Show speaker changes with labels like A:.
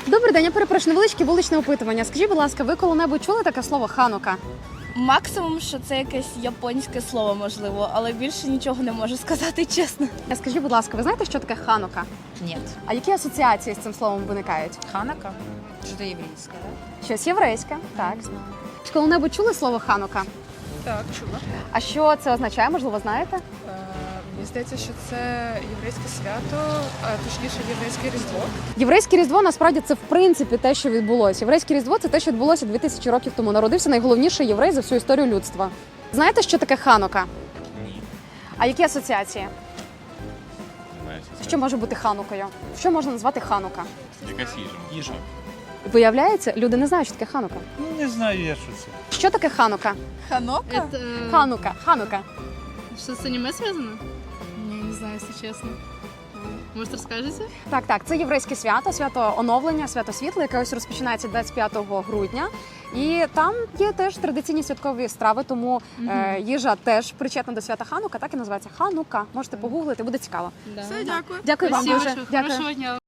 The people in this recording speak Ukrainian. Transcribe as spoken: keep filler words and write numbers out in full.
A: Добрий день, я перепрошую, невеличке вуличне опитування. Скажіть, будь ласка, ви коли-небудь чули таке слово ханука?
B: Максимум, що це якесь японське слово, можливо, але більше нічого не можу сказати, чесно.
A: Скажіть, будь ласка, ви знаєте, що таке ханука?
C: Нет.
A: А які асоціації з цим словом виникають?
C: Ханака? Что-то еврейское, да?
A: Щось єврейське, так. Чи коли-небудь чули слово ханука?
D: Так, чула.
A: А що це означає, можливо, знаєте?
D: Е, Мені здається, що це єврейське свято, а точніше єврейське Різдво.
A: Єврейське Різдво, насправді, це в принципі те, що відбулося. Єврейське Різдво – це те, що відбулося дві тисячі років тому. Народився найголовніший єврей за всю історію людства. Знаєте, що таке ханука?
E: Ні.
A: А які асоціації?
E: Немає сенсу.
A: Що може бути ханукою? Що можна назвати ханука?
E: Якась їжа. Їжа.
A: Виявляється, люди не знають, що таке ханука.
E: Ну не знаю я, що це.
A: Що таке ханука?
B: Ханока?
F: Это
A: Ханука, ханука.
F: что с аниме связано? Не, не знаю, если честно. Может, расскажете?
A: Так, так, це єврейське свято, свято оновлення, свято світла, яке ось розпочинається двадцять п'ятого грудня. І там є теж традиційні святкові страви, тому е, їжа теж причетна до свята Ханука, так і називається Ханука. Можете погуглити, буде цікаво.
F: Да.
D: Все, дякую.
A: Дякую вам
F: Спасибо
A: дуже.
F: большое.
A: Дякую.
F: Хорошего дня.